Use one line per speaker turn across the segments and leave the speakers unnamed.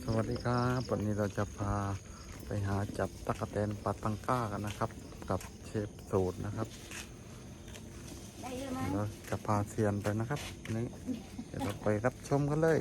สวัสดีครับวันนี้เราจะพาไปหาจับตั๊กแตนปาตังก้ากันนะครับกับเชฟสูตรนะครับเราจะพาเซียนไปนะครับวันนี้เดี๋ยวเราไปรับชมกันเลย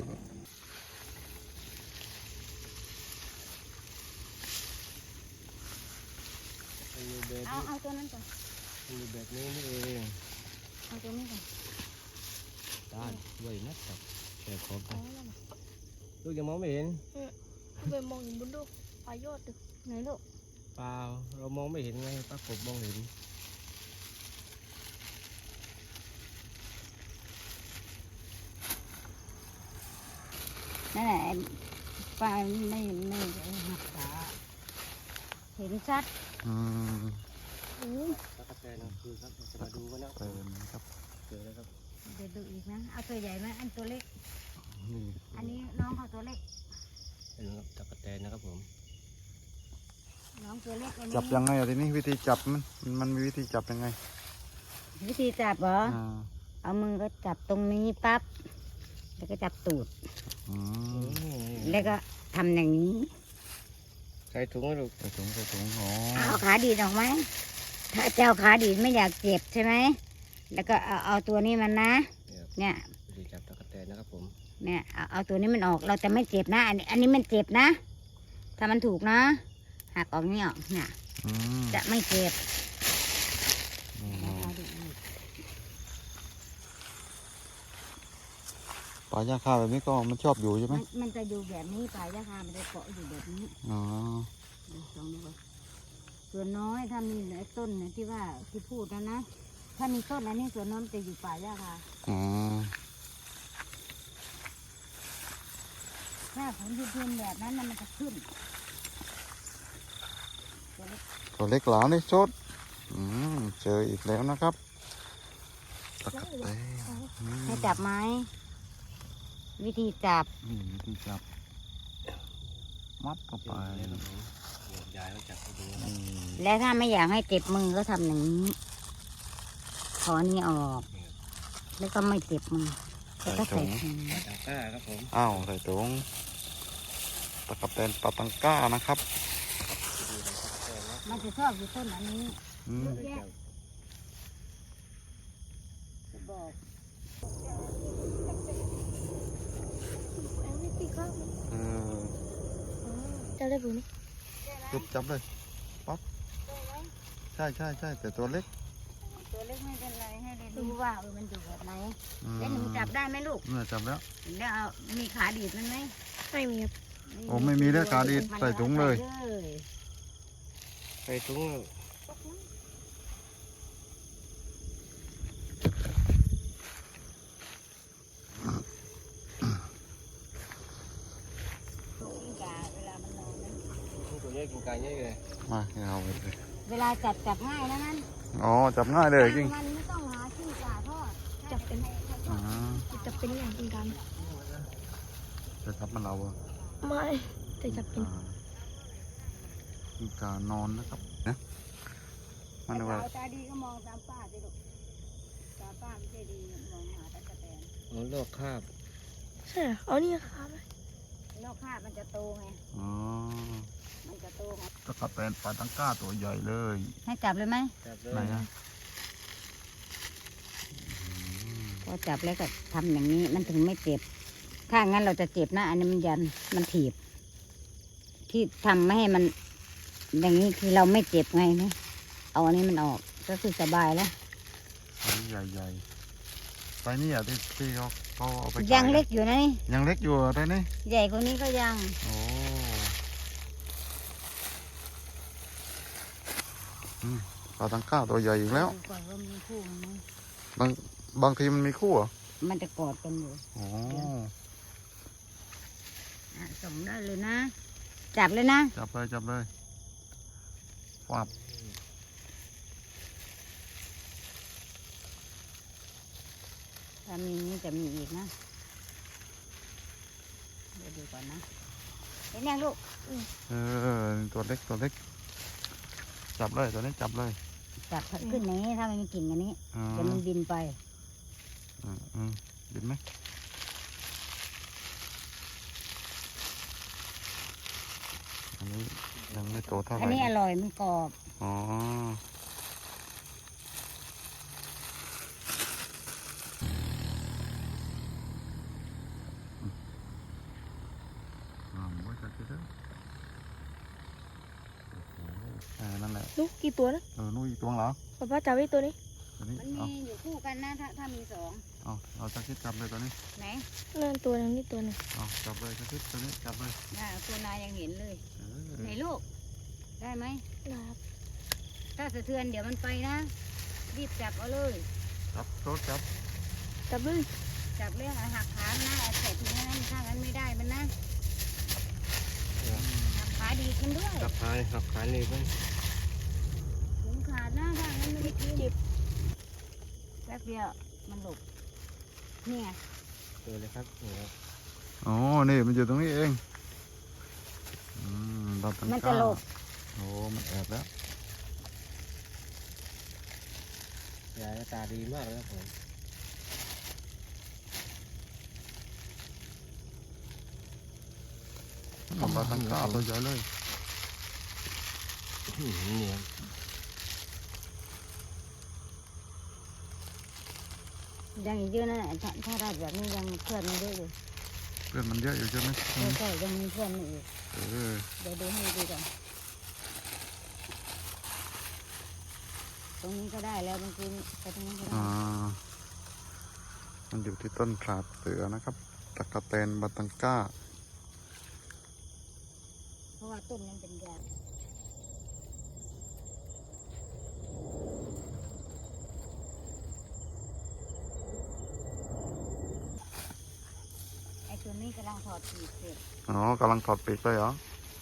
เอาตัวนั้นก่อน
มีแบบนี้นี่เอง
เอาตัวนี้ก่อน
ได้ด้วยนะครับแต่ขอไปลูกยังมองไม่เห็น
ไปมองอยู่บนลูกปลายยอดดึก
ไหนลูก
เปล่าเรามองไม่เห็นไงป้ากบมองเห็น
นั่นแหละปลาไม่หักขาเห็นชัด
ตะกะแตนคือครับจะมาดูกันนะ
เติมนะครับ
เจอแล้วครับ
เดี๋ยวดูอีกนะเอาตัวใหญ่ไหมอันตัวเล็ก
นี่
อันนี้น้องเขาตัวเล็ก
เห็นไหมครับตะกะแตนนะครับผม
น้องตัวเล็กอันนี้
จับยังไงอ่ะทีนี้วิธีจับมันมีวิธีจับยังไง
วิธีจับเหรอ
อ่า
เอามือก็จับตรงนี้ปั๊บแล้วก็จับตูด
อืม
แล้วก็ทำอย่างนี้
ใส่ถุงให้ลูก
ใส่ถุงอ๋อ
เอาขาดีดออกไหมถ้าเจ้าขาดีดไม่อยากเจ็บใช่ไหมแล้วก็เอาตัวนี้มันนะเนี่ย
วิธีจับตะกะแตนนะครับผม
เนี่ยเอาตัวนี้มันออกเราจะไม่เจ็บนะอันนี้มันเจ็บนะ ถ้ามันถูกนะหักออกนี่ออกเนี่ย
อืม
จะไม่เจ็บ
อ๋อปลาย่างคาแบบนี้ก็มันชอบอยู่ใช่ไหม
มันจะอยู่แบบนี้ปลายยาคามันจะเกาะอยู่แบบนี้
อ๋อ
ลองดูก่อนส่วนน้อยถ้ามีไอ้ต้นเนี่ยที่ว่าที่พูดนะถ้ามีต้นอันนี้ส่วนน้อยมันจะอยู่ปลายยาคา
อ๋อ
ถ้าฝนพื้นๆแบบนั้นน่ะมันจะขึ้นตัวเล็ก
ตัวเล็กหลานี่ชดเจออีกแล้วนะครับตั๊กแตน
ให้จับไหมวิธีจับ
นี่วิธีจับมัดเข้าไป
นะครับผมยายก็จับให้ดูนะ
และถ้าไม่อยากให้เจ็บมือก็ทำอย่างนี้ถอนนี้ออก แล้วก็ไม่เจ็บมือแล้วก็ใส่ถุง
ปลาตังก้าครับผม
อ้าวใส่ถุงตั๊กแตนปาตังก้านะครับ
มันจะชอบอยู่ต้นอันนี้
อืม
แยะจะบอก
ไม่ตีข้าว
เออ
จะได้บุญ
จับเลยปั๊บใช่แต่ตัวเล็ก
ตัวเล็กไม่เป็นไรให้ได้ดูว่ามันอยู่แบบไหน
อืม
แล้วหนูจับได้ไหมลูก
เนี่ยจับแล้ว
แล้วเอามีขาดีดมันไหม
ไม่มีครับ
โอ้ไม่มีแล้วขาดีดใส่ถุงเลย
ใส่ถุง
ถุงกาเวลามันนอนนะ
ตัวใหญ่กินไก่ใหญ่เลย
มาเอาไปเลย
เวลาจับง่ายนะนั่น
อ๋อจับง่ายเลยจริง
มันไม่ต้องหาขี้กาทอด
จับเป็น
อ่า
จับเป็นอย่างเป็นกัน
จะทับมันเราอะ
ไม่แต่จับเป็น
มีการนอนนะครับนะมันว่า
ตาดีก็มองตามป้าสิลูกตาป้าไม่ใช่ดีมองหาตะกะแตน
เอาลอกคราบ
ใช่เหรอเอานี่ครับ
นอกคาบมันจะโตไง
อ๋อ
มันจะโตไง
ตั๊กแตนปาตังก้าตัวใหญ่เลย
ให้จับเลยไหม
จับเล
ไหน
ย
อะ
พอจับแล้วก็ทำอย่างนี้มันถึงไม่เจ็บ ถ้างั้นเราจะเจ็บนะ อันนี้มันยันมันถีบ ที่ทำไม่ให้มัน อย่างนี้คือเราไม่เจ็บไงนะเอาอันนี้มันออกก็คือสบายแล้ว
ไซส์ใหญ่ๆไซส์นี่อ่ะที่เขาเอาไปขาย
ยังเล็กอยู่นะนี่
ยังเล็กอยู่ไซส์นี่
ใหญ่กว่านี้ก็ยัง
โอ้ปลาตังก้าตัวใหญ่อีกแล้ว
ดูก่อนว่ามีคู่มันไหม
บางทีมันมีคู่เหรอ
มันจะกอดกันอยู่
โอ้
ส่งได้เลยนะ จับเลยนะ
จับเลยฟับ
ถ้ามีนี้จะมีอีกนะเดี๋ยวดูก่อนนะเห็นยังลูก
ตัวเล็กจับเลยตัวนี้จับเลย
จับขึ้นอย่างนี้ถ้ามันมีกิ่งอันนี้
อ๋อ
เดี๋ยวมันบินไป
บินไหมอันนี้ยังไม่โตเท่าไห
อัน
ร่
นี้อร่อยมันกรอบ
อ๋อว่าจะกินได้นั่นแหละ
ลูกกี่ตัวนะ
นู่นอีกตัวเหรอ
ป้าจับไว้ตัวนี้
ตัวนี้
มัน
เอา
มีอยู่คู่กันนะถ้ามีสอง
เอาจะคิดจับเลยตัวนี้
ไหน
นั่นตัวนึงนี่ตัวนึง
เอาจับเลยจะคิดตัวนี้จับเลย
ตัวนายยังเห็นเลย
เออ
ไหนลูก ได้ไหม
นะครับ
ถ้าสะเทือนเดี๋ยวมันไปนะ รีบจับเอาเลย
จับรถจับ
จับเลย
จับเรื่องหักขามันนะใส่ถุงนั้นถ้างั้นไม่ได้มันนะหักขาดีขึ้นด้วย
หักขายเลยไป
ถุงขาดนะถ้างั้นไม่ได้กินแป๊บเดียวมันหลบเนี่ย
เจอเลยครับนี่ครับ
อ๋อนี่มันอยู่ตรงนี้เองตอน
มันจะหลบ
โอ้มันแอบแล้ว
ยายตาดีมากเลยครับผม
ปลาตังก้าตัวใหญ่เลย
นี่ครับ
ยังอีกเยอะนะถ้าได้แบบนี้ยังเพื่อนมันเยอะอยู่
เพื่อนมันเยอะอยู่ใช่ไหม
ใช่ยังมีเพื่อนมันอีก
เออ
เดี๋ยวดูให้ดูก่อนตรงนี้ก็ได้แล้วบางทีไปตรงนี้ก็ได้
มันอยู่ที่ต้นขาดเสือนะครับตะกะแตนปลาตังก้า
เพราะว่าต้นนั้นเป็นยาไอ้ตัวนี้กำลังถอดปีกเสร็จ
อ๋อกำลังถอดปีกเลยเหรอ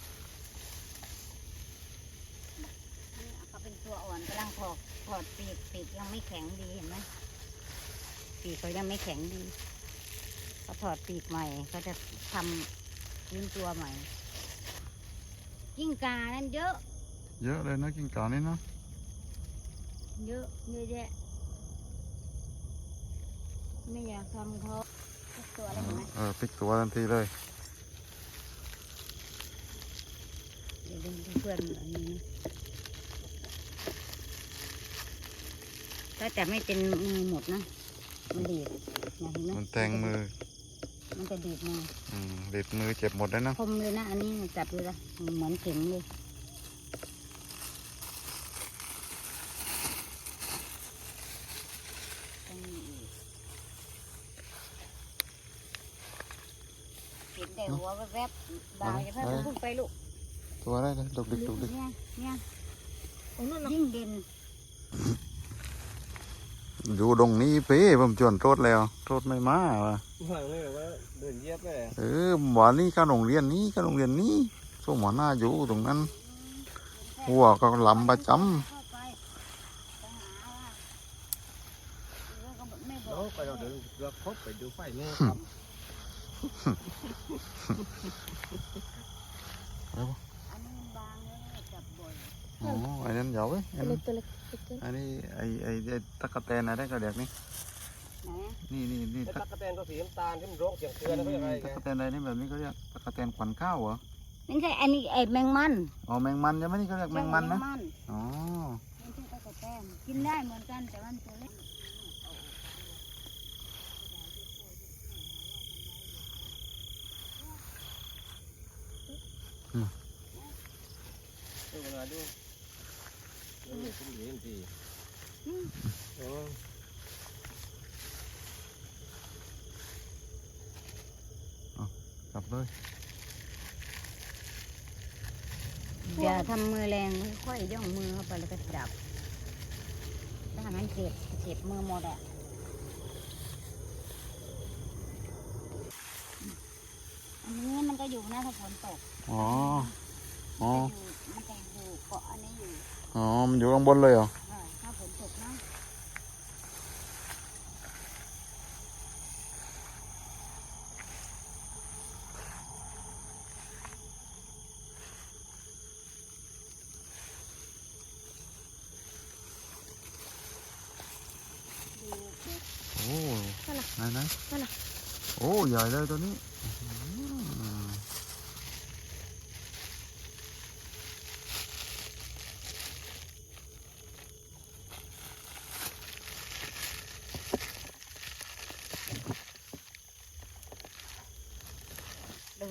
เขาเป็นตัวอ่อนกำลังถอดปีกยังไม่แข็งดีเห็นไหมปีกเขายังไม่แข็งดีเขาถอดปีกใหม่เขาจะทำยืนตัวใหม่กิ้งกานั้นเยอะ
เยอะเลยนะกิ้งก่านี่นะ
เยอะแยะไม่อยากทำเขาทุกตัวอะไรเห็นไหม
พลิกตัวทันทีเลย
เดี๋ยวดูเพื่อนอันนี้นะถ้าจับไม่เป็นมือหมดนะมันดีดนะเห็นไหม
มันแทงมือ
มันจะดีดมือ
เด็ดมือเจ็บหมดเลยนะ
คมเลยนะอันนี้จับเลยละเหมือนเข็มเลยต้องมีอีกเห็นแต่หัวแวบๆดาวอย่าเพิ่งพุ่งไปลูก
ตัวอะไรเลยดุกดิกดุกดิก
เนี่ย
โอ้นั่นนะ
ยิ่งเด่น
อยู่ตรงนี้เป้ผมจวนโทษแล้วโทษไม่มาว่ะ
ว่าไม่แบบว่าเดินเยียบเลย
วันนี้เข้าโรงเรียนนี้เข้าโรงเรียนนี้ส่งหัวหน้าอยู่ตรงนั้นหัวก็ลำประจ
เข้าไปไปหาว่าเรื่องก็ไม่บอ
แล้ว
ก
ไปเราเดินเราคบไปดูไฟแม่ครับ
อันนี้มันบางเลยจับบ่อย
ำอ๋อไอ้นั่นเหยาเว้ยไอ้
ตัว
นั่
เล็
น
กตัวเล็กตัวเล็ก
อันนี้ไอ้ตะกะแตนอะไรก็เด็กนี่
ไหน
นี่
ไอ้ตั๊กแตนตัวสีน้ำตาลที่มันร้องเสียงเตือนแล้วก็ยังไง
ตะกะแตนอะไรนี่แบบนี้เขาเรียกตะกะแตนขวัญข้าวเหรอ
ไม่ใช่อันนี้ไอ้แมงมัน
อ๋อแมงมันใช่ไหมนี่เขาเรียกแมงมันนะอ๋อ
ไม่ใช่ตะกะแตนกินได้เหมือนกันแต่ว่ามันตัวเล็ก
ดูเวลาดูดูคุณเห็นสิโอ้
กลับเลย
อย่าทำมือแรงค่อยย่องมือเข้าไปแล้วก็จับถ้างั้นเจ็บมือหมดอ่ะอันนี้มันก็อยู่นะถ้าฝนตก
อ๋ออ๋อ
มันจะอยู่เกาะอันนี้อยู่
อ๋อมันอยู่ข้างบนเลยเหรอ
ถ้าฝนตกนะดูแบบ
โอ้
นั่นน่ะ
ไหน
นั่นน่ะ
โอ้ใหญ่เลยตัวนี้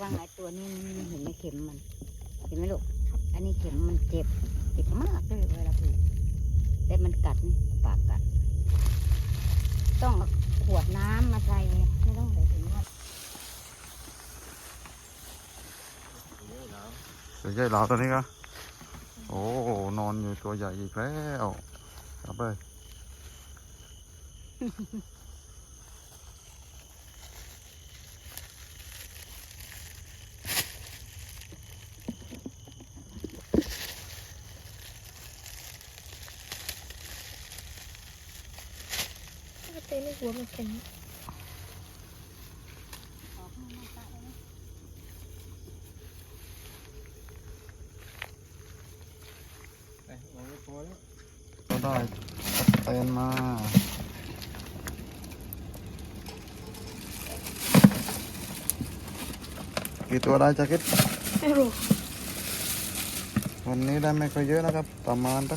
วังหลายตัวนี่เห็นไหมเข็มมัน เห็นไหมลูก อันนี้เข็มมันเจ็บมากเลยเวลาผูกแต่มันกัดนี่ปากกัด ต้องเอาขวดน้ำมาใส่ไม่ต้องใส่ถุงนวด
เสือใหญ่เหลาตัวนี้ก็โอ้นอนอยู่ตัวใหญ่อีกแล้วครับเลย
ถ้าเต้นในหัวมันแข็ง
เอาไว้พอแล้ว
ก็ได้ตักแตนมากี่ตัวได้จะคิด
ไม่รู้
วันนี้ได้ไม่ค่อยเยอะนะครับ ประมาณสัก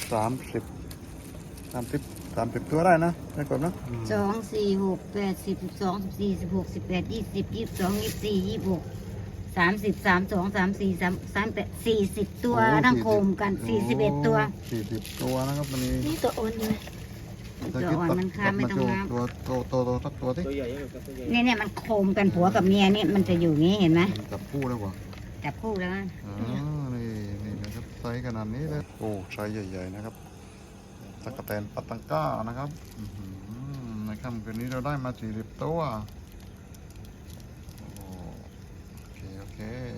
30ตัวได้นะไม่กดนะ
2 4 6 8 10 12 14 16 18 20 22 24 26 30 32 34 38 40 ตัวทั้งโคมกัน 41 ตัว
40 ตัวนะครับวันนี้
นี่ตัวอ่อนอยู่ไหม
ตัวอ่อนมันคาไม่ต้องนับ
ตัวสักตัวที่
ตัวใหญ่ยังกับตัวใหญ่
เนี่ยมันโคมกันผัวกับเมียเนี่ยมันจะอยู่งี้เห็นไหม
จับคู่แล้วกว่า
จับคู่แล้วนะ
นี่นะครับไซส์ขนาดนี้เลยโอ้ไซส์ใหญ่ๆนะครับตะกะแตนปัตตังก้านะครับในค่ำคืนนี้เราได้มา40ตัวโอเค